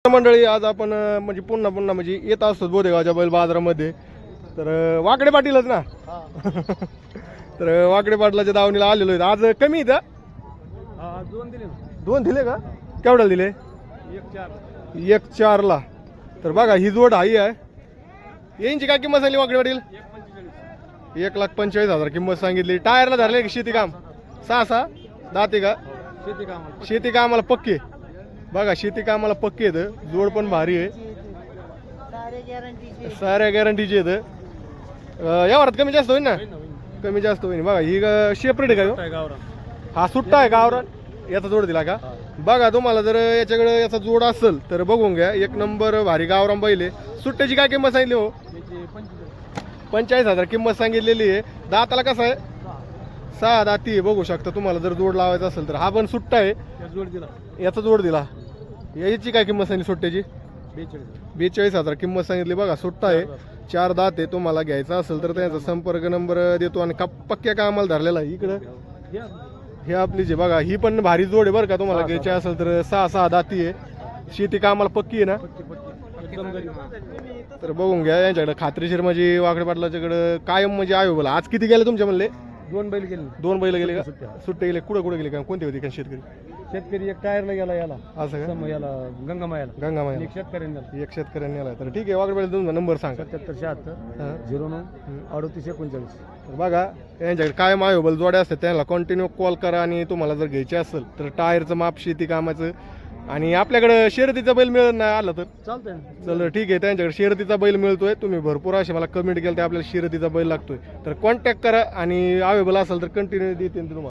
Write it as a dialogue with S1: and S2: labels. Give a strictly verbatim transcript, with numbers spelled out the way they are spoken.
S1: मंडळी आज आपण अं, म्हणजे पुन्हा पुन्हा म्हणजे येत असतो बोदेगावच्या बैल बाजारामध्ये. तर अं, वाकडे पाटीलच ना. तर अं, वाकडे पाटलाच्या दावणीला आलेलो आहे. आज कमी इथं
S2: दोन दिले
S1: दोन दिले का? केवढ्याला दिले?
S2: एक चार
S1: एक चारला. तर बघा ही जोड हाई आहे. यांची काय किंमत सांगली वाकडे पाटील?
S2: एक पंचेचाळीस
S1: एक लाख पंचेचाळीस हजार किंमत सांगितली. टायरला धरले की शेती काम सहा सहा दाते का?
S2: शेती कामाला
S1: शेती कामाला पक्के. बघा शेती कामाला पक्के आहेत. जोड पण भारी आहे. साऱ्या गॅरंटीचे आहेत. यावरात कमी जास्त होईल ना? कमी जास्त होईल. बघा ही शेपरेट आहे का?
S2: गावरा
S1: हा सुट्टा आहे गावरान. याचा जोड दिला का? बघा तुम्हाला जर याच्याकडे याचा जोड असेल तर बघून घ्या. एक नंबर भारी गावरान बैल आहे. सुट्ट्याची काय किंमत सांगितली हो? पंचेचाळीस हजार किंमत सांगितलेली आहे. दाताला कसं आहे? सहा दाती आहे. बघू शकता तुम्हाला जर जोड लावायचा असेल तर. हा पण सुट्टा आहे.
S2: जोड दिला
S1: याचा जोड दिला. याची काय किंमत सांगितली सुट्ट्याची?
S2: बेचाळीस
S1: बेचाळीस हजार किंमत सांगितली. बघा सुट्टा आहे. चार दात आहे. तुम्हाला घ्यायचा असेल तर त्यांचा संपर्क नंबर देतो. आणि का पक्क्या कामाला धरलेला आहे. इकडं हे आपली जे बघा ही पण भारी जोड आहे बरं का. तुम्हाला घ्यायची असेल तर सहा सहा दाती आहे. शेती कामाला पक्की आहे ना. तर बघून घ्या. यांच्याकडे खात्रीशीर म्हणजे वाकडे पाटलाच्याकडे कायम म्हणजे आहे बोला. आज किती गेले तुमच्या म्हणले?
S2: दोन बैल गेले
S1: दोन बैल गेले का? सुट्टे गेले. कुठं कुठे गेले का? कोणते होते का शेतकरी?
S2: शेतकरी एक टायरला गेला याला
S1: असं का?
S2: याला गंगामायाला
S1: गंगामाया
S2: एक शेतकऱ्यांना
S1: एक शेतकऱ्यांनी आला. तर ठीक आहे वाकडे पाटील तुमचा नंबर सांगा.
S2: सत्याहत्तर शहात्तर
S1: हा.
S2: झिरो नऊ अडतीस एकोणचाळीस.
S1: तर बघा यांच्याकडे कायम अवेलेबल जोड्या असतात. त्यांना कंटिन्यू कॉल करा. आणि तुम्हाला जर घ्यायचे असेल तर टायरचं माप शेती कामाचं. आणि आपल्याकडे शर्यतीचा बैल मिळत नाही आला तर
S2: चालतंय
S1: चल ठीक आहे. त्यांच्याकडे शर्यतीचा बैल मिळतोय. तुम्ही भरपूर असे मला कमेंट केलं तर आपल्याला शर्यतीचा बैल लागतोय. तर कॉन्टॅक्ट करा. आणि अवेलेबल असेल तर कंटिन्यू देते तुम्हाला.